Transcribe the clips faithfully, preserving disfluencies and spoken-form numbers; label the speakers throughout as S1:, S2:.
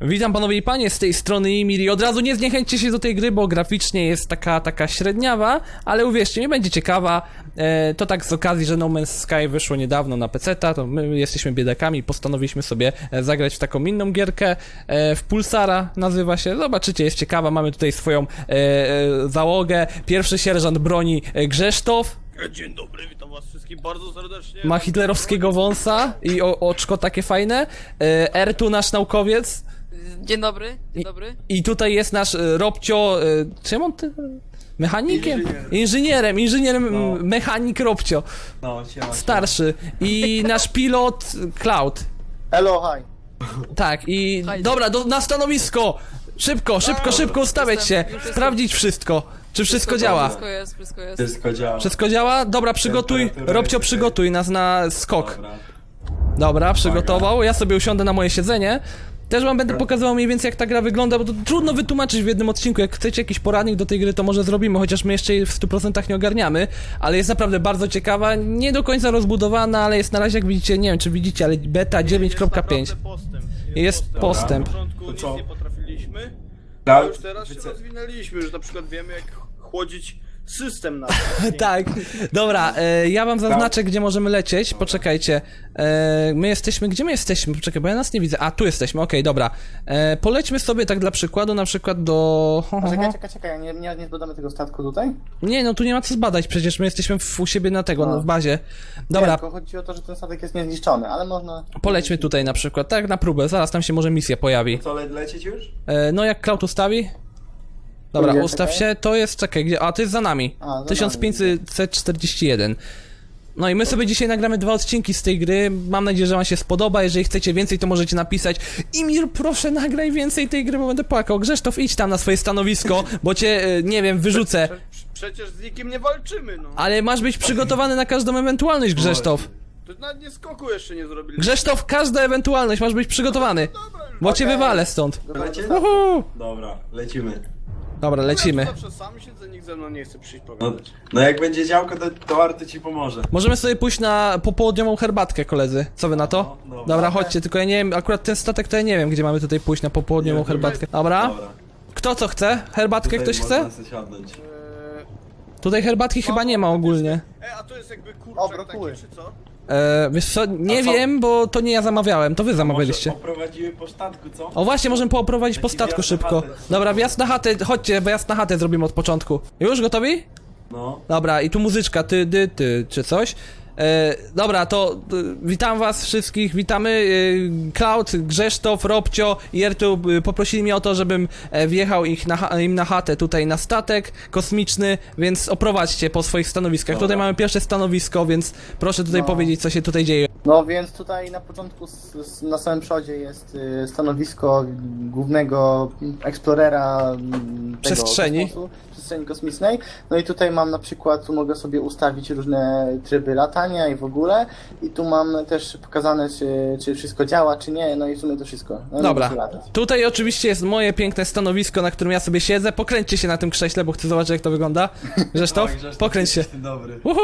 S1: Witam panowie i panie, z tej strony Imiri. Od razu nie zniechęćcie się do tej gry, bo graficznie jest taka, taka średniawa, ale uwierzcie mi, będzie ciekawa. E, to tak z okazji, że No Man's Sky wyszło niedawno na peceta, to my jesteśmy biedakami, postanowiliśmy sobie zagrać w taką inną gierkę, e, w Pulsara nazywa się. Zobaczycie, jest ciekawa, mamy tutaj swoją e, e, załogę. Pierwszy sierżant broni e, Grzesztof.
S2: Dzień dobry, witam was wszystkich bardzo serdecznie.
S1: Ma hitlerowskiego wąsa i o, oczko takie fajne. E, R tu nasz naukowiec.
S3: Dzień dobry, dzień dobry.
S1: I tutaj jest nasz e, Robcio, e, czym on ty? Mechanikiem?
S4: Inżynier.
S1: Inżynierem, inżynierem,
S4: No.
S1: m, mechanik Robcio,
S4: No, siema,
S1: starszy. I nasz pilot Cloud.
S5: Hello, hi.
S1: Tak, i
S3: Hajde.
S1: dobra, do, na stanowisko! Szybko, szybko, szybko ustawiać się,
S3: Jestem, już jestem.
S1: sprawdzić wszystko. Czy wszystko działa?
S3: Wszystko jest, wszystko jest.
S4: Wszystko działa.
S1: Wszystko działa? Dobra, przygotuj,
S4: Temperatura
S1: Robcio,
S4: jest
S1: przygotuj nas na skok.
S4: Dobra.
S1: Dobra, przygotował, ja sobie usiądę na moje siedzenie. Też wam będę pokazywał mniej więcej jak ta gra wygląda, bo to trudno wytłumaczyć w jednym odcinku. Jak chcecie jakiś poradnik do tej gry, to może zrobimy, chociaż my jeszcze jej w stu procentach nie ogarniamy. Ale jest naprawdę bardzo ciekawa, nie do końca rozbudowana, ale jest na razie, jak widzicie, nie wiem czy widzicie, ale beta dziewięć kropka pięć.
S2: Jest naprawdę postęp.
S1: Jest postęp.
S2: Na początku
S4: To
S2: nic
S4: co?
S2: nie potrafiliśmy, a
S4: Cloud,
S2: już teraz się
S4: wyce-
S2: rozwinęliśmy, już na przykład wiemy jak chłodzić system na
S1: Tak, dobra, e, ja wam zaznaczę, gdzie możemy lecieć, poczekajcie, e, my jesteśmy, gdzie my jesteśmy, poczekaj, bo ja nas nie widzę, a tu jesteśmy, okej, dobra, e, polećmy sobie tak dla przykładu, na przykład do... Ho, ho,
S5: Czekaj,
S1: ho.
S5: czekaj, czekaj, nie, nie, nie zbadamy tego statku tutaj?
S1: Nie, no tu nie ma co zbadać, przecież my jesteśmy w, u siebie na tego,
S5: No.
S1: no, w bazie,
S5: Nie,
S1: dobra,
S5: tylko chodzi o to, że ten statek jest niezniszczony, ale można...
S1: polećmy tutaj na przykład, tak na próbę, zaraz tam się może misja pojawi,
S4: Co, le lecieć już?
S1: e, no jak Cloud ustawi? Dobra,
S5: Gdzie,
S1: ustaw
S5: czekaj?
S1: się, to jest, czekaj, gdzie, a to jest za nami,
S5: A, za
S1: tysiąc pięćset czterdzieści jeden. No i my sobie dzisiaj nagramy dwa odcinki z tej gry, mam nadzieję, że wam się spodoba, jeżeli chcecie więcej, to możecie napisać Imir, proszę nagraj więcej tej gry, bo będę płakał. Grzesztof, idź tam na swoje stanowisko, bo cię, e, nie wiem, wyrzucę.
S2: Prze przecież z nikim nie walczymy, no.
S1: Ale masz być przygotowany na każdą ewentualność, Grzesztof.
S2: To nawet nie skoku jeszcze nie zrobiliśmy.
S1: Grzesztof, każda ewentualność, masz być przygotowany,
S2: Dobra, już.
S1: bo cię
S5: Okej.
S1: wywalę stąd.
S4: Lecieć?
S1: Uhu.
S4: Dobra, lecimy.
S1: Dobra,
S2: Ja
S1: lecimy.
S2: tu zawsze sam siedzę, nikt ze mną nie chce przyjść
S4: No,
S2: pogadać.
S4: no jak będzie działko, to, to Arty ci pomoże.
S1: Możemy sobie pójść na popołudniową herbatkę, koledzy. Co wy na to?
S4: No, dobra.
S1: Dobra, chodźcie, tylko ja nie wiem, akurat ten statek to ja nie wiem, gdzie mamy tutaj pójść na popołudniową
S4: Nie,
S1: herbatkę. Dobra?
S4: Dobra.
S1: Kto co chce? Herbatkę
S4: Tutaj
S1: ktoś chce?
S4: można sobie siadnąć.
S2: Eee,
S1: Tutaj herbatki chyba nie ma ogólnie.
S2: E, a to jest jakby
S5: O,
S2: kurczak
S5: brokuły.
S2: taki, czy co?
S1: Eee, wiesz co, nie
S4: A co?
S1: wiem, bo to nie ja zamawiałem, to wy zamawialiście.
S4: Może oprowadzimy po statku, co?
S1: O właśnie, możemy pooprowadzić po
S4: Taki
S1: statku
S4: wjazd na
S1: szybko.
S4: chatę.
S1: Dobra, wjazd na chatę, chodźcie, wjazd na chatę zrobimy od początku. Już gotowi?
S4: No.
S1: Dobra, i tu muzyczka, ty, ty, ty, czy coś. E, dobra, to e, witam was wszystkich, witamy, e, Cloud, Grzesztof, Robcio i Ertu e, poprosili mnie o to, żebym e, wjechał ich na, cha- im na chatę tutaj na statek kosmiczny, więc oprowadźcie po swoich stanowiskach.
S4: Dobra.
S1: Tutaj mamy pierwsze stanowisko, więc proszę tutaj
S5: No.
S1: powiedzieć, co się tutaj dzieje.
S5: No więc tutaj na początku, s, s, na samym przodzie jest y, stanowisko głównego eksplorera m, tego
S1: Przestrzeni.
S5: kosmosu, przestrzeni kosmicznej. No i tutaj mam na przykład, tu mogę sobie ustawić różne tryby latania i w ogóle. I tu mam też pokazane, czy, czy wszystko działa, czy nie. No i w sumie to wszystko. No,
S1: Dobra,
S5: mogę latać.
S1: tutaj oczywiście jest moje piękne stanowisko, na którym ja sobie siedzę. Pokręćcie się na tym krześle, bo chcę zobaczyć, jak to wygląda. Grzesztof,
S4: Oj, Grzesztof,
S1: pokręć się.
S4: jesteś ty dobry.
S1: Uhu!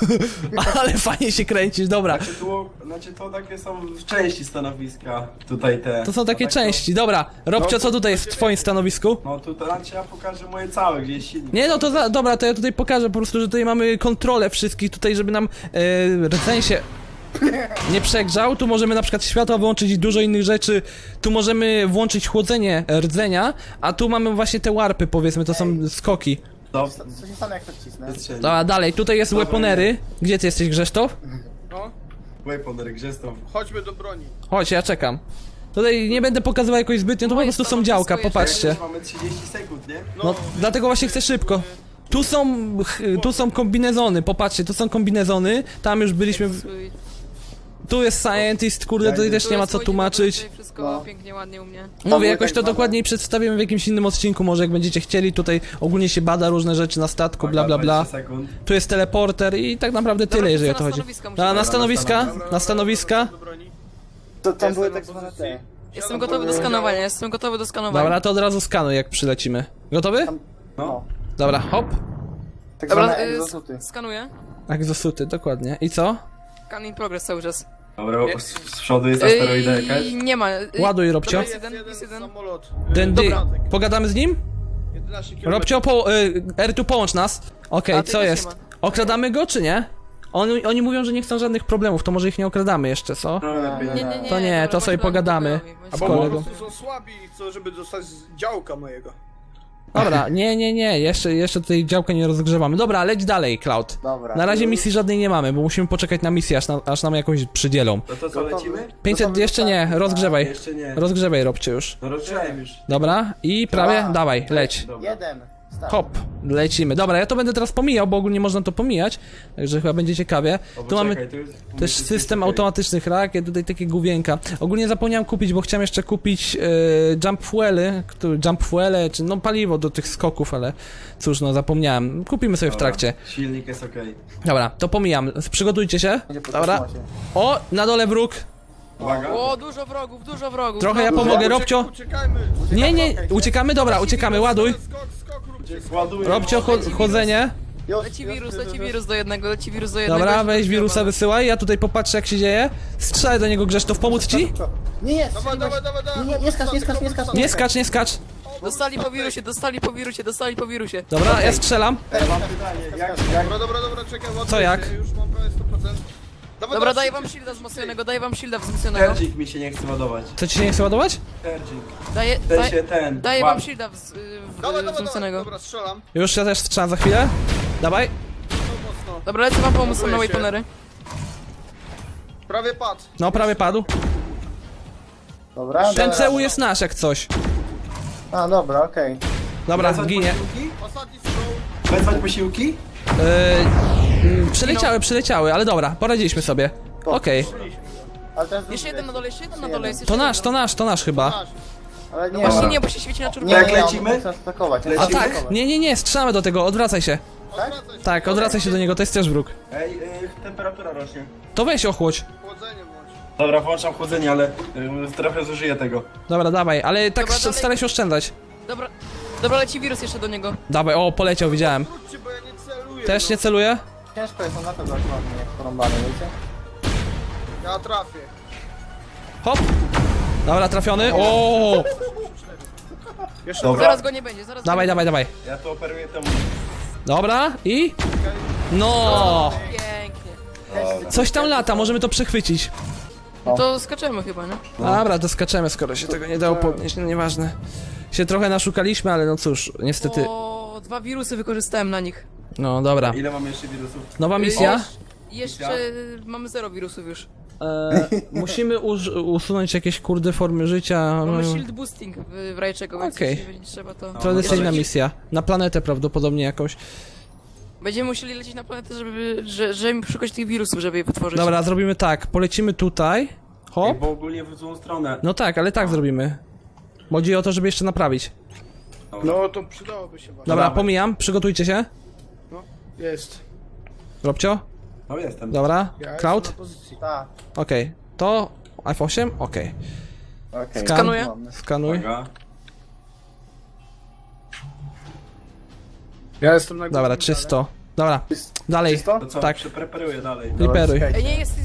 S1: Ale fajnie się kręcisz, dobra.
S4: Znaczy, tu, znaczy to takie są w części stanowiska, tutaj te.
S1: To są takie
S4: tak
S1: części, dobra. Robcio,
S4: No,
S1: co tutaj jest w twoim stanowisku?
S4: No tu znaczy ja pokażę moje całe, gdzie jest silnik.
S1: Nie, no to za, dobra, to ja tutaj pokażę po prostu, że tutaj mamy kontrolę wszystkich tutaj, żeby nam e, rdzeń się nie przegrzał. Tu możemy na przykład światła wyłączyć i dużo innych rzeczy. Tu możemy włączyć chłodzenie rdzenia, a tu mamy właśnie te warpy, powiedzmy, to są skoki.
S4: To
S5: Co co się stanie, jak to wcisnę?
S4: wystrzeli.
S1: Dobra, dalej, tutaj jest
S4: Dobra,
S1: weaponery. Gdzie ty jesteś, Grzesztof?
S2: No,
S4: Weaponer, Grzesztof.
S2: chodźmy do broni.
S1: Chodź, ja czekam. Tutaj nie będę pokazywał jakoś zbytnio, to po
S3: Moje
S1: prostu są
S3: stanowisko
S1: działka,
S3: jeszcze
S1: popatrzcie.
S4: Już mamy trzydzieści sekund, nie?
S1: No, dlatego właśnie chcę szybko. Tu są, ch- tu są kombinezony, popatrzcie, tu są kombinezony, tam już byliśmy, w...
S3: Swój-
S1: tu jest scientist, kurde, tutaj też
S3: tu
S1: nie ma
S3: jest
S1: co
S3: swój
S1: tłumaczyć.
S3: dzień dobry, Wszystko
S5: No.
S3: pięknie, ładnie u mnie.
S1: Mówię, jakoś
S5: tak
S1: to
S5: zwane-
S1: dokładniej przedstawimy w jakimś innym odcinku, może jak będziecie chcieli, tutaj ogólnie się bada różne rzeczy na statku, bla bla bla.
S4: dwadzieścia sekund.
S1: Tu jest teleporter i tak naprawdę tyle,
S3: Dobra,
S1: jeżeli o
S3: to
S1: to
S3: na
S1: chodzi.
S3: stanowiska
S1: Na, na
S3: musimy-
S1: stanowiska,
S2: Dobra,
S1: na stanowiska.
S2: do broni.
S5: To tam były
S2: Jestem
S5: tak
S2: na
S5: zwane
S2: pozycji.
S5: te...
S3: Jestem gotowy do skanowania, jestem gotowy do skanowania.
S1: Dobra, to od razu skanuj, jak przylecimy. Gotowy?
S5: No.
S1: Dobra, hop.
S5: Tak
S3: Dobra,
S5: zwane
S3: y,
S5: egzosuty.
S3: sk- skanuję.
S1: Egzosuty, dokładnie. I co?
S3: Scan in progress cały czas.
S4: Dobra, bo z z przodu jest asteroida jakaś.
S3: Yy, nie ma. Yy,
S1: Ładuj, Robcio.
S3: Jest
S2: Jest
S3: jeden,
S2: jeden
S3: jest jeden.
S2: samolot.
S1: Dędy,
S2: Dobra.
S1: pogadamy z nim?
S2: jedenaście kilometrów.
S1: Robcio, po, y, R tu połącz nas. Okej,
S3: A, ty
S1: co
S3: też
S1: jest?
S3: nie ma.
S1: Okradamy go, czy nie? Oni, oni mówią, że nie chcą żadnych problemów, to może ich nie okradamy jeszcze, co?
S4: No lepiej
S3: Nie, nie, nie.
S1: To nie,
S3: dobra,
S1: to sobie
S3: bądź dla
S1: pogadamy.
S3: mnie pokojowi, bądź
S2: Bo
S1: z
S2: po
S1: kolegą.
S2: prostu są słabi i chcą, żeby dostać z działka mojego.
S1: Dobra, nie, nie, nie, jeszcze, jeszcze tutaj działkę nie rozgrzewamy. Dobra, leć dalej, Cloud.
S5: Dobra.
S1: Na razie misji żadnej nie mamy, bo musimy poczekać na misję, aż, na, aż nam jakąś przydzielą.
S4: No to co, lecimy?
S1: pięćset,
S5: Gotowy
S1: jeszcze
S5: do
S1: nie,
S5: startu?
S1: rozgrzewaj.
S4: Jeszcze nie.
S1: Rozgrzewaj, Robcie już.
S4: No rozgrzałem już.
S1: Dobra, i prawie,
S5: Dwa.
S1: dawaj, leć.
S4: Dobra.
S5: Jeden. Start.
S1: Hop, lecimy. Dobra, ja to będę teraz pomijał, bo ogólnie można to pomijać, także chyba będzie ciekawie.
S4: O,
S1: Tu mamy
S4: poczekaj, tu jest- tu
S1: też
S4: jest
S1: system
S4: okej.
S1: automatycznych rakiet, tutaj takie główienka. Ogólnie zapomniałem kupić, bo chciałem jeszcze kupić e, jump fuely, który, jump fuele, czy no paliwo do tych skoków, ale cóż, no zapomniałem. Kupimy sobie w
S4: Dobra,
S1: trakcie.
S4: Silnik jest okej.
S1: Dobra, to pomijam. Przygotujcie się.
S5: Będzie po
S1: Dobra.
S5: kosmosie.
S1: O, na dole wróg.
S4: Uwaga.
S3: O, dużo wrogów, dużo wrogów.
S1: Trochę ja
S3: Dużo.
S1: pomogę,
S2: Uciek-
S1: Robcio.
S2: Uciekajmy.
S1: Nie, nie, uciekamy, dobra, uciekamy, ładuj.
S2: Skok, skok, róbcie skok.
S4: Ładuję.
S1: Robcio, cho- chodzenie.
S5: Już,
S3: Leci
S5: już,
S3: wirus,
S5: już,
S3: leci
S5: już.
S3: wirus do jednego, leci wirus do jednego.
S1: Dobra,
S3: i się
S1: weź wirusa,
S3: rozgrywa.
S1: wysyłaj, ja tutaj popatrzę jak się dzieje. Strzelaj do niego, Grzesztof, pomóc ci?
S5: Nie jest!
S2: Dawaj, dawaj, dawaj, dawaj.
S5: Nie, nie skacz, nie skacz, nie skacz.
S1: Nie skacz, nie skacz.
S3: Dostali po wirusie, dostali po wirusie, dostali po wirusie.
S1: Dobra, ja strzelam.
S4: Mam pytanie, jak, jak...
S2: Dobra, dobra, dobra, czekaj, ładuję
S1: Co, jak?
S2: się, Już mam prawie sto procent. Dawaj,
S3: Dobra,
S2: dawaj,
S3: daję
S2: szybciej.
S3: wam shielda wzmocnionego, daję wam shielda wzmocnionego.
S4: Terdzik mi się nie chce ładować.
S1: Co ci się nie chce ładować?
S4: Terdzik.
S3: Daję,
S4: Ten
S3: daj,
S4: się ten.
S3: daję
S4: łap.
S3: wam shielda wz,
S2: Dawaj,
S3: w,
S2: dawaj, dawaj.
S3: wzmocnionego.
S2: Dobra, strzelam.
S1: Już ja też strzelam za chwilę. Dawaj.
S2: To mocno.
S3: Dobra, lecę wam pomóc
S2: Ładuję
S3: na
S2: się.
S3: weaponery.
S2: Prawie padł.
S1: No, prawie padł.
S5: Dobra,
S1: Ten
S5: dobra.
S1: C U jest nasz jak coś.
S5: A, dobra, okej.
S1: Dobra,
S4: Wezwać
S1: ginie.
S4: posiłki?
S2: Ostatni strzał.
S4: Wezwać posiłki?
S1: Yy, mm, przyleciały, przyleciały, ale dobra, poradziliśmy sobie. Okej.
S5: Ale teraz
S3: Jeszcze jeden na dole, jeszcze jeden na dole jest.
S1: To
S3: jeszcze
S1: nasz,
S3: jeden.
S1: to nasz, to nasz chyba.
S2: Nasz.
S5: Ale nie,
S3: Właśnie
S5: ma.
S3: nie, bo się świeci na
S5: Nie,
S3: czerwono.
S4: Jak
S5: nie, nie,
S4: lecimy?
S5: on chce atakować. on
S1: A
S5: chce
S1: tak,
S5: atakować.
S1: nie, nie, nie, strzelamy do tego, odwracaj się.
S2: Odwracaj się.
S1: Tak, odwracaj się do niego, to jest też wróg.
S4: Ej, y, temperatura rośnie.
S1: To weź ochłodź.
S2: Chłodzenie włącz.
S4: Dobra, włączam chłodzenie, ale y, trochę zużyję tego.
S1: Dobra, dawaj, ale tak
S3: Dobra,
S1: sz-
S3: dalej.
S1: staraj się oszczędzać.
S3: Dobra, dobra, leci wirus jeszcze do niego.
S1: Dawaj, o, poleciał, widziałem.
S2: Wróćcie, bo ja nie celuję.
S1: Też
S2: no.
S1: nie celuję?
S5: Ciężko jest on na to dokładnie porąbany, wiecie?
S2: Ja trafię.
S1: Hop. Dobra, trafiony. O!
S2: Jeszcze
S4: Dobra.
S3: Zaraz go nie będzie, zaraz
S1: Dawaj,
S3: go nie
S1: dawaj, dawaj.
S4: Ja to operuję temu.
S1: Dobra, i? No!
S3: będzie. Pięknie.
S4: Dobra.
S1: Coś tam lata, możemy to przechwycić.
S3: No to skaczemy chyba, nie?
S1: Dobra, to skaczemy, skoro się tego nie dało podnieść, no nieważne. Się trochę naszukaliśmy, ale no cóż, niestety.
S3: O, dwa wirusy wykorzystałem na nich.
S1: No dobra.
S4: Ile mam jeszcze wirusów?
S1: Nowa misja.
S3: Jesz- Jeszcze mamy zero wirusów już.
S1: E, musimy uż, usunąć jakieś kurde formy życia.
S3: Mamy
S1: No,
S3: shield boosting w, w Rajczego, więc
S1: Okej.
S3: jeśli będzie trzeba to...
S1: tradycyjna
S3: Będziemy-
S1: misja. Na planetę prawdopodobnie jakąś.
S3: Będziemy musieli lecieć na planetę, żeby, że, żeby szukać tych wirusów, żeby je wytworzyć.
S1: Dobra, zrobimy tak. Polecimy tutaj.
S4: Ej,
S1: Hop.
S4: bo ogólnie w złą stronę.
S1: No tak, ale tak zrobimy. Chodzi o to, żeby jeszcze naprawić.
S2: No to przydałoby się właśnie.
S1: Dobra,
S4: dawaj.
S1: pomijam. Przygotujcie się.
S2: No, jest.
S1: Robcio.
S4: No jestem.
S1: Dobra.
S2: Ja
S1: Cloud.
S2: jestem na pozycji.
S5: Tak,
S1: Okej. To F osiem? Okej.
S5: okej.
S1: Skan-
S3: Skanuję.
S5: Mamy.
S1: Skanuj.
S4: Uwaga.
S2: Ja jestem na
S1: Dobra,
S2: górnym
S1: czysto. Dobra, dalej.
S5: Czysto?
S4: To co?
S1: Tak.
S4: Przepreparuję dalej.
S1: Liperuj.
S5: Dobra,
S3: Ej, nie jest...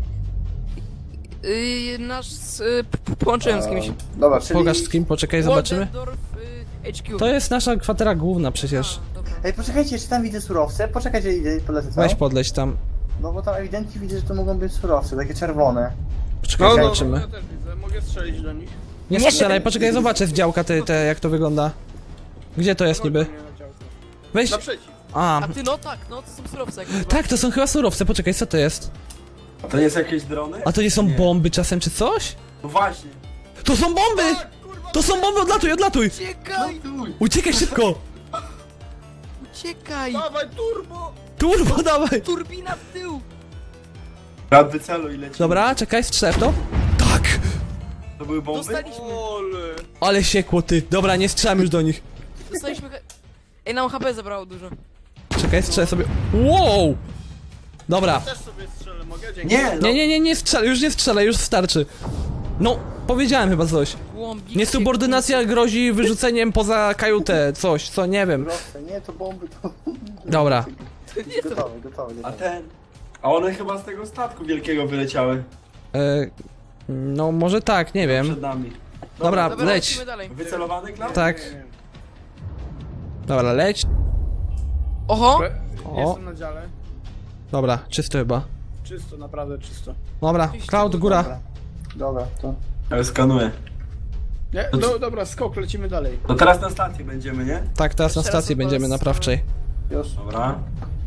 S3: Yy, nasz... Yy, p- p- połączyłem z kimś.
S5: Dobra, czyli...
S1: Pokaż z kim, poczekaj, zobaczymy.
S3: Waldendorf, yy, H Q.
S1: To jest nasza kwatera główna przecież.
S3: A, dobra.
S5: Ej, poczekajcie, czy tam widzę surowce? Poczekajcie, idę polecę co?
S1: Weź podleć tam.
S5: No bo tam ewidentnie widzę, że to mogą być surowce, takie czerwone.
S1: Poczekaj,
S2: No, no,
S1: zobaczymy.
S2: ja też widzę. Mogę strzelić do nich.
S1: Nie strzelaj, poczekaj, zobaczę z działka te, te, jak to wygląda. Gdzie to jest niby?
S2: Nie na działko.
S1: Weź.
S2: Naprzeciw.
S1: A,
S3: A ty, no tak, no to są surowce. Jak
S1: tak, to są chyba surowce, poczekaj, co to jest?
S4: A to nie są jakieś drony?
S1: A to nie są
S4: Nie.
S1: bomby czasem czy coś?
S4: No właśnie.
S1: To są bomby! To są bomby, odlatuj, odlatuj!
S3: Uciekaj!
S1: Uciekaj szybko!
S3: Uciekaj!
S2: Dawaj turbo!
S1: Turbo, dawaj!
S3: Turbina w tył!
S4: Brat wyceluj i lecimy.
S1: Dobra, czekaj, strzel w to. Tak!
S4: To były bomby?
S3: Dostaliśmy,
S2: Ole.
S1: Ale siekło ty. Dobra, nie strzelam już do nich.
S3: dostaliśmy... he- Ej, nam H P zabrało dużo.
S1: Czekaj, strzelę sobie. Wow! Dobra.
S2: Też sobie strzelę, mogę? Dzięki.
S4: Nie, no.
S1: Nie, nie, nie, nie strzelaj, już nie strzelaj, już starczy. No, powiedziałem chyba coś.
S3: Głąbik
S1: Niesubordynacja grozi wyrzuceniem poza kajutę, coś, co, nie wiem.
S5: Surowce, nie, to bomby, to...
S1: Dobra.
S5: Gotowe, gotowe,
S4: A
S5: gotowe.
S4: ten... A one chyba z tego statku wielkiego wyleciały.
S1: E, no może tak, nie wiem.
S2: Przed nami.
S1: Dobra,
S3: Dobra,
S1: leć.
S3: lecimy dalej.
S2: Wycelowany, Klaus?
S1: Tak. Dobra, leć.
S3: Oho!
S1: O,
S6: Jestem na dziale.
S1: dobra, czysto chyba.
S6: Czysto, naprawdę czysto.
S1: Dobra, Cloud, góra.
S5: Dobra, dobra to...
S2: Ja skanuję.
S6: Nie? No dobra, skok, lecimy dalej.
S2: To teraz na stacji będziemy, nie?
S1: Tak, teraz na
S3: Teraz
S1: stacji
S3: chyba
S1: będziemy
S3: z-
S1: naprawczej.
S5: Już.
S2: Dobra.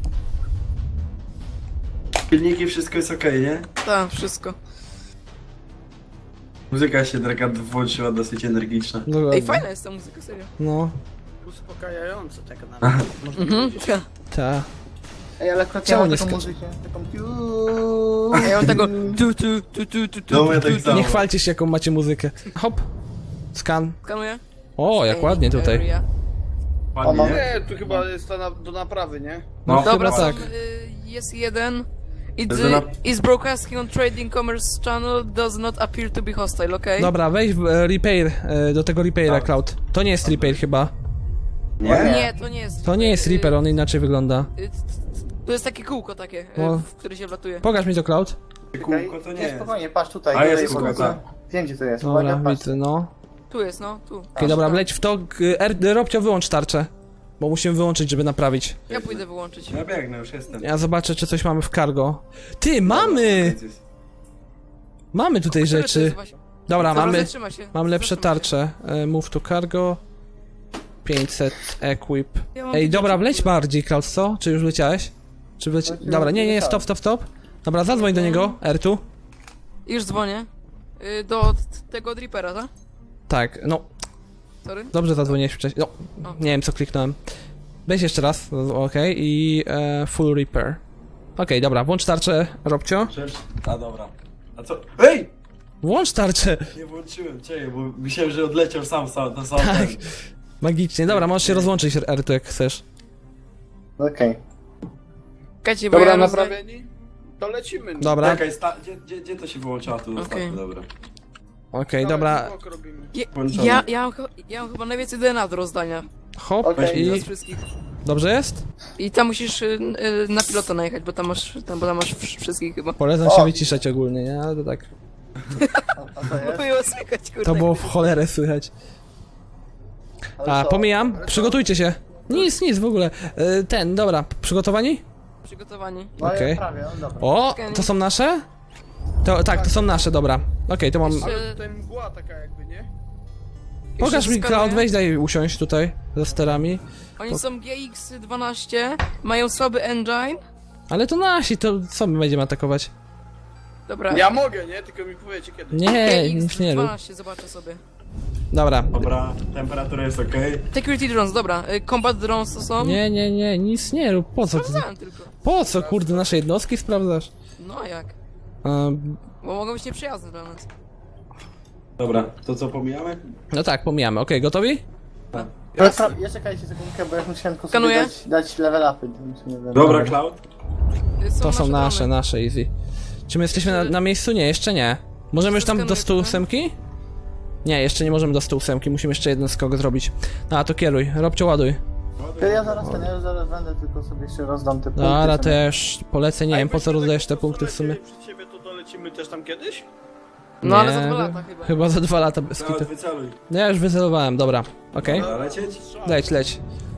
S2: Pilniki, wszystko jest okej, nie?
S3: Tak, wszystko.
S2: Muzyka się taka włączyła dosyć energiczna.
S1: Dokładnie.
S3: Ej, fajna jest ta muzyka, serio.
S1: No,
S6: Uspokajająco tak nawet. Można
S3: Mhm,
S6: powiedzieć.
S3: tak.
S1: ta.
S5: Ej, ale akurat
S1: Czemu
S5: ja mam
S1: nie
S5: taką
S1: skacze?
S5: muzykę, taką piu.
S3: A ja mam tego tu tu tu tu tu tu
S2: No, ja
S3: tu,
S2: tak
S3: tu,
S2: samo.
S1: Nie chwalcie się, jaką macie muzykę. Hop. Skan.
S3: Skanuję.
S1: O, jak ładnie tutaj.
S3: Area.
S2: Ładnie,
S5: mam-
S2: nie?
S6: Nie, tu chyba jest ta na, do naprawy, nie?
S2: No,
S3: Dobra,
S1: chyba
S3: są,
S1: tak.
S3: y, jest jeden. It's,
S2: Jest na-
S3: is broadcasting on trading commerce channel does not appear to be hostile, okej?
S1: Dobra, wejdź w e, repair, e, do tego repaira,
S2: Tak.
S1: Cloud. To nie jest repair chyba.
S2: Nie?
S3: Nie, to nie jest.
S1: To nie jest
S3: y,
S1: repair, on inaczej wygląda.
S3: y, To jest takie kółko takie, y,
S1: O.
S3: w które się wlatuje.
S1: Pokaż mi to, Cloud.
S2: Kółko to nie
S5: Nie,
S2: jest.
S5: spokojnie, patrz tutaj.
S2: A
S5: tutaj
S2: jest kółko,
S5: kółko.
S2: tak.
S5: Wiem gdzie to jest, uwaga,
S1: Dobra,
S5: patrz.
S1: widzę, no.
S3: Tu jest, no, tu.
S1: Okej, dobra, wleć w to. K- R, Robcio, wyłącz tarczę. Bo musimy wyłączyć, żeby naprawić.
S3: Ja pójdę wyłączyć.
S2: Ja biegnę, już jestem.
S1: Ja zobaczę, czy coś mamy w cargo. Ty, mamy! Mamy tutaj
S3: Które to
S1: rzeczy.
S3: jest właśnie-
S1: Dobra,
S3: Dobra,
S1: mamy,
S3: zatrzyma się.
S1: mam lepsze
S3: zatrzyma się.
S1: tarcze. E, Move to cargo. pięćset equip.
S3: Ja mam
S1: Ej,
S3: takie
S1: dobra,
S3: rzeczy,
S1: wleć
S3: kurde.
S1: bardziej, Klaus, co? Czy już leciałeś? Czy wleci...
S5: Wleciałem,
S1: Dobra, nie, nie,
S5: leciałem.
S1: stop, stop, stop. Dobra, zadzwoń do niego, R tu.
S3: Już dzwonię. Y, Do t- tego Drippera, tak?
S1: Tak, no,
S3: Sorry.
S1: dobrze zadzwoniłeś wcześniej. No,
S3: O.
S1: nie wiem co kliknąłem. Weź jeszcze raz, okej, i e, full repair. Okej, dobra, włącz tarczę, Robcio.
S2: Przecież... A dobra. A co? Ej!
S1: Włącz tarczę!
S2: Nie włączyłem, czekaj, bo myślałem, że odleciał sam, sam na sam
S1: Tak.
S2: ten.
S1: Magicznie, dobra, możesz się rozłączyć, R tu jak chcesz.
S5: Okej.
S3: Czekajcie, bo
S6: Dobra,
S3: ja rozda-
S6: naprawieni? To lecimy.
S1: Dobra, okej,
S2: Czekaj, sta... gdzie, gdzie, gdzie to się wyłączało tu
S3: Okej.
S2: ostatnio, dobra.
S1: dobra,
S6: skok robimy.
S3: Ja,
S2: Włączone.
S3: ja, ja, mam, ch- ja mam chyba najwięcej D N A do rozdania.
S1: hop,
S5: Okej.
S3: Z
S1: i...
S3: wszystkich.
S1: Dobrze jest?
S3: I tam musisz y, y, na pilota najechać, bo tam masz, tam, bo tam masz wsz- wszystkich chyba.
S1: Polecam
S5: O!
S1: się wyciszać ogólnie, nie? Ale to tak,
S5: A, a to
S3: No
S5: jest?
S3: było słychać, kurde.
S1: to było w cholerę słychać.
S5: Ale
S1: A,
S5: co?
S1: pomijam, przygotujcie się. Nic, nic w ogóle. E, Ten, dobra, przygotowani?
S3: Przygotowani.
S5: No ja
S1: okej.
S5: prawie, no dobra.
S1: O, to są nasze? To, tak, to są nasze, dobra. Okej, to mam...
S3: Jeszcze-
S6: Ale tutaj mgła taka jakby, nie?
S1: Pokaż
S3: jeszcze
S1: mi,
S3: skanuję.
S1: Cloud, weź daj usiąść tutaj, za sterami.
S3: Oni są G X dwanaście, mają słaby engine.
S1: Ale to nasi, to co my będziemy atakować?
S3: Dobra.
S6: Ja mogę, nie? Tylko mi powiecie kiedy.
S1: Nie, nic nie rób.
S3: G X dwanaście, zobaczę sobie.
S1: Dobra.
S2: Dobra, temperatura jest okej.
S3: Security drones, dobra. Y, Combat drones to są.
S1: Nie, nie, nie, nic nie rób. Po co? Ty,
S3: Sprawdzałem tylko.
S1: po co, kurde, nasze jednostki sprawdzasz?
S3: No a jak?
S1: Ehm,
S3: Bo mogą być nieprzyjazne dla nas.
S2: Dobra, to co pomijamy?
S1: no tak, pomijamy. Okej, gotowi?
S5: Ale pra- ja czekajcie sekundkę, bo ja musiałem tylko sobie
S3: Skanuję.
S5: dać, dać level upy. więc nie wiem.
S2: Dobra, Cloud.
S3: Y,
S1: To są nasze,
S3: drony.
S1: nasze, easy. Czy my jesteśmy na, na miejscu? Nie, jeszcze nie. Możemy już tam do stu ósemki? Nie, jeszcze nie możemy do stu ósemki, musimy jeszcze jeden skok zrobić. No, a to kieruj, Robcio, ładuj.
S5: To ja zaraz ten, ja zaraz będę, tylko sobie jeszcze rozdam te punkty.
S1: Dobra,
S5: co
S1: też polecę, nie
S2: A
S1: wiem po co
S2: jakbyśmy
S1: rozdajesz
S2: tak
S1: te
S2: po
S1: punkty w
S2: prostu
S1: sumie.
S2: lecieli przed siebie, to dolecimy też tam kiedyś?
S3: No ale
S1: Nie,
S3: za dwa lata chyba.
S1: Chyba za dwa lata bez
S2: Cloud,
S1: kitu.
S2: wyceluj.
S1: No ja już wycelowałem, dobra. Okej,
S2: Dobra, lecieć?
S1: leć, leć.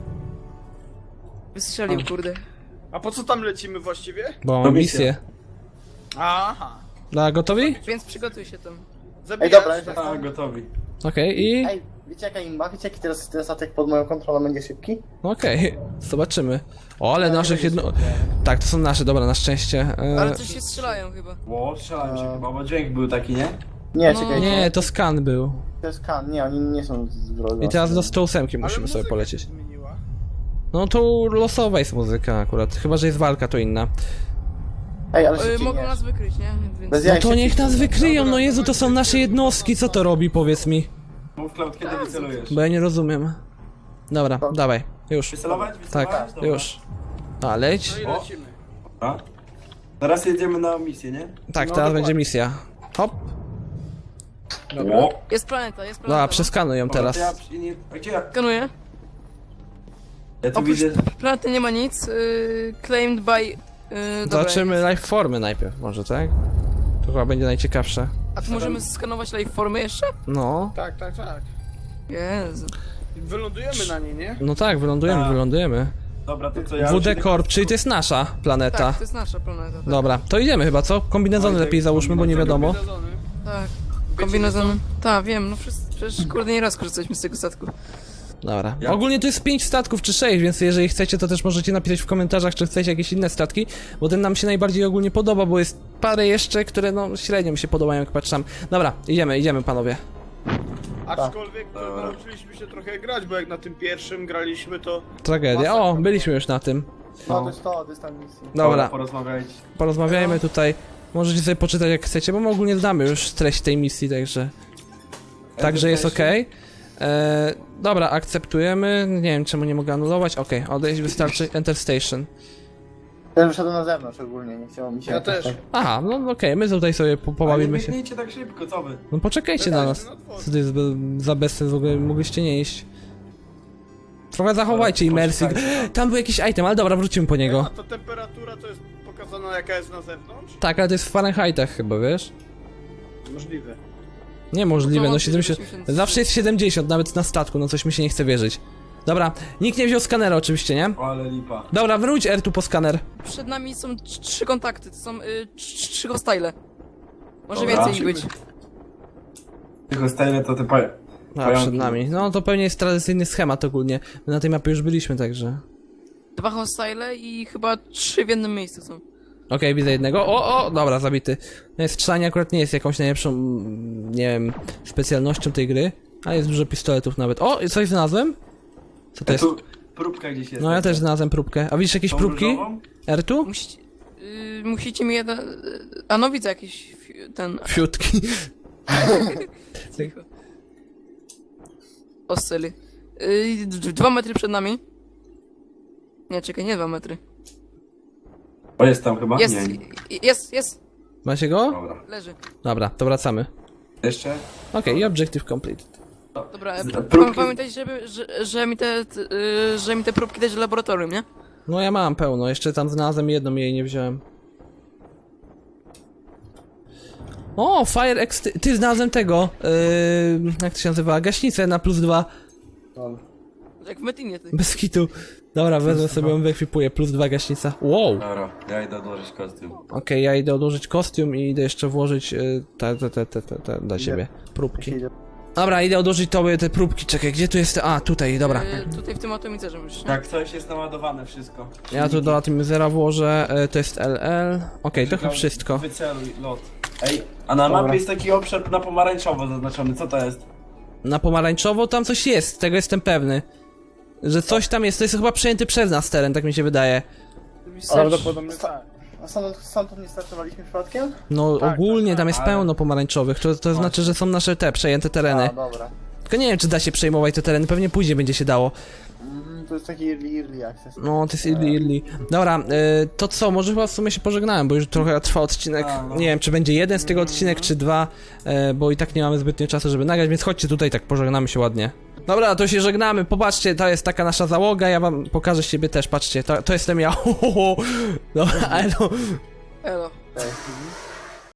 S3: Wystrzelił, kurde.
S6: A po co tam lecimy właściwie?
S1: Bo
S2: To
S1: mam
S2: misja.
S1: misję.
S6: Aha.
S1: Dobra, gotowi?
S3: Więc przygotuj się tam.
S5: Ej,
S6: Zabijasz?
S5: dobra, już
S2: A,
S5: jestem.
S2: gotowi.
S1: Okej, i...
S5: Ej, wiecie jaka imba? Wiecie jaki teraz, teraz atak pod moją kontrolą będzie szybki?
S1: Okej, zobaczymy. O, ale naszych jedno... Tak, to są nasze, dobra, na szczęście. E,
S3: Ale coś się strzelają chyba.
S2: Ło, strzelałem się chyba, bo dźwięk był taki, nie?
S5: Nie,
S3: No.
S5: czekajcie.
S1: Nie, to skan był.
S5: To jest kan, nie, oni nie są z wroga.
S1: I teraz do stu ósemki
S6: Ale
S1: musimy sobie
S6: muzyka
S1: polecieć.
S6: się zmieniła.
S1: No to losowa jest muzyka akurat, chyba że jest walka, to inna.
S5: Ej, ale
S3: Y,
S5: się
S3: mogą
S5: nie.
S3: nas wykryć, nie? Więc...
S5: Bez
S1: No
S5: jaj
S1: to
S5: się
S1: niech nas
S5: ciśnie.
S1: wykryją, no Jezu, to są nasze jednostki, co to robi, powiedz mi.
S2: Mów, Cloud, kiedy wycelujesz?
S1: Bo ja nie rozumiem. Dobra, dawaj, już.
S2: Wycelować? Wycelować?
S1: Tak,
S2: Dobra.
S1: już. A, leć.
S6: No i
S2: O.
S6: lecimy.
S2: Dobra. Teraz jedziemy na misję, nie?
S1: Tak,
S6: No,
S1: teraz
S6: dokładnie.
S1: będzie misja. Hop.
S2: Dobra.
S3: Jest planeta, jest planeta.
S1: Dobra,
S3: no.
S1: przeskanuj ją teraz.
S2: Ja, przy- nie, a gdzie ja?
S3: Skanuję.
S2: Ja tu
S3: Oprócz
S2: widzę...
S3: planety nie ma nic. Y, claimed by... Y, dobra,
S1: Zobaczymy live formy najpierw, może, tak? To chyba będzie najciekawsze.
S3: A tu możemy skanować live formy jeszcze?
S1: No,
S6: Tak, tak, tak.
S3: Jezu.
S6: Wylądujemy na niej, nie?
S1: no tak, wylądujemy,
S4: Tak.
S1: wylądujemy.
S4: Dobra, to co ja...
S1: W D Corp, czyli to jest nasza planeta.
S3: Tak, to jest nasza planeta. Tak.
S1: Dobra, to idziemy chyba, co? Kombinezony
S4: Oj,
S1: lepiej
S4: tak,
S1: załóżmy, bo nie wiadomo.
S6: Kombinezony.
S3: Tak. Kombinezon. Tak, wiem, no wszyscy, przecież kurde nie raz korzystaliśmy z tego statku.
S1: Dobra.
S4: Ja-
S1: Ogólnie to jest pięć statków czy sześć, więc jeżeli chcecie, to też możecie napisać w komentarzach, czy chcecie jakieś inne statki, bo ten nam się najbardziej ogólnie podoba, bo jest parę jeszcze, które no średnio mi się podobają, jak patrzam. Dobra, idziemy, idziemy panowie.
S6: Aczkolwiek to
S4: Dobra.
S6: nauczyliśmy się trochę grać, bo jak na tym pierwszym graliśmy, to...
S1: Tragedia. O, byliśmy już na tym.
S5: No to jest to, to jest tam misja.
S1: Dobra,
S4: Porozmawiajcie.
S1: porozmawiajmy tutaj. Możecie sobie poczytać jak chcecie, bo my ogólnie znamy już treść tej misji, także... Także jest ok. E, dobra, akceptujemy. Nie wiem czemu nie mogę anulować. Ok, odejść wystarczy. Enter station.
S5: Ja wyszedłem na zewnątrz ogólnie, nie chciało mi się
S6: Ja
S5: jakoś
S6: też.
S5: tak...
S1: Aha, no okej, my tutaj sobie po, pobawimy się.
S4: Nie biegnijcie tak szybko, co wy?
S1: No poczekajcie na nas. Co to jest be- za bezsens w ogóle? Mogliście nie iść. Trochę zachowajcie imersji.
S4: Poczekajcie.
S1: Tam był jakiś item, ale dobra, wrócimy po
S6: A
S1: niego.
S6: to temperatura to jest pokazana jaka jest na zewnątrz?
S1: Tak, ale to jest w Fahrenheitach chyba, wiesz?
S6: Możliwe.
S1: Niemożliwe, no
S3: No,
S1: siedemdziesiąt...
S3: osiemdziesiąt.
S1: Zawsze jest siedemdziesiąt, nawet na statku, no coś mi się nie chce wierzyć. Dobra, nikt nie wziął skanera oczywiście, nie?
S4: O, ale lipa.
S1: Dobra, wróć R tu po skaner.
S3: Przed nami są trz- trzy kontakty, to są y, trz- trzy hostile. Może
S4: Dobra.
S3: więcej ich być.
S4: Tylko stajle to te pa...
S1: A,
S4: Pająki.
S1: przed nami. No to pewnie jest tradycyjny schemat ogólnie. My na tej mapie już byliśmy, także...
S3: Dwa hostile i chyba trzy w jednym miejscu są.
S1: Okej, widzę jednego. O, o, dobra, zabity. No, strzelanie akurat nie jest jakąś najlepszą, mm, nie wiem, specjalnością tej gry. A jest dużo pistoletów nawet. O, i coś znalazłem? Co to jest?
S4: Tu próbka gdzieś jest.
S1: No ja też znalazłem próbkę. A widzisz jakieś
S4: Tą
S1: próbki?
S4: różową?
S1: R tu?
S3: Musicie, y, musicie mi jeden... y, A no widzę jakiś fi- ten...
S1: Fiutki.
S3: Cicho. Oscyly. Y, d- dwa metry przed nami. Nie, czekaj, nie dwa metry.
S4: O, jest tam chyba?
S3: Jest,
S4: Nie.
S3: i- jest, jest,
S1: Macie go?
S4: Dobra.
S3: leży.
S1: Dobra, to wracamy.
S4: Jeszcze?
S1: Okej, i objective completed.
S3: Dobra,
S4: Z-
S3: p-
S4: próbki-
S3: pamiętaj, żeby, że, że mi te, t- y, że mi te próbki dać do laboratorium, nie?
S1: No ja mam pełno, jeszcze tam znalazłem jedną i jej nie wziąłem. O, fire ext... Ty, znalazłem tego, yy, jak to się nazywa, gaśnicę na plus dwa,
S3: Jak w Metinie, ty.
S1: bez kitu. Dobra, wezmę sobie ją, wyekwipuję, plus dwa gaśnica. Wow!
S4: Dobra, ja idę odłożyć kostium.
S1: Okej, ja idę odłożyć kostium i idę jeszcze włożyć yy, te, te, te, te, te, te dla siebie, próbki. Dobra, idę odłożyć tobie te próbki, czekaj, gdzie tu jest... A, tutaj, dobra.
S3: Y, tutaj w tym atomicerze musisz, nie?
S4: Tak, coś jest naładowane wszystko.
S1: Ja tu do Atomizera włożę, yy, to jest L L. Okej, to chyba wszystko.
S4: Wyceluj lot. Ej, a na mapie jest taki obszar na pomarańczowo zaznaczony, co to jest?
S1: Na pomarańczowo tam coś jest, tego jestem pewny. Że coś tam jest, to jest chyba przejęty przez nas teren, tak mi się wydaje.
S6: Prawdopodobnie tak.
S5: A stąd, stąd nie startowaliśmy przypadkiem?
S1: No
S6: Tak,
S1: ogólnie
S6: tak,
S1: tam jest
S4: ale-
S1: pełno pomarańczowych, to, to znaczy, że są nasze te przejęte tereny.
S5: A, dobra.
S1: Tylko nie wiem, czy da się przejmować te tereny, pewnie później będzie się dało.
S5: Mm, to jest taki early, early access.
S1: No, to jest Idli Idli. Dobra, y, to co, może chyba w sumie się pożegnałem, bo już trochę trwa odcinek.
S4: A, no.
S1: Nie wiem, czy będzie jeden z tego odcinek, czy dwa, y, bo i tak nie mamy zbytnio czasu, żeby nagrać, więc chodźcie tutaj, tak pożegnamy się ładnie. Dobra, to się żegnamy, popatrzcie, to jest taka nasza załoga, ja wam pokażę siebie też, patrzcie, to, to jestem ja. Dobra, elo.
S3: Elo.
S5: Cześć.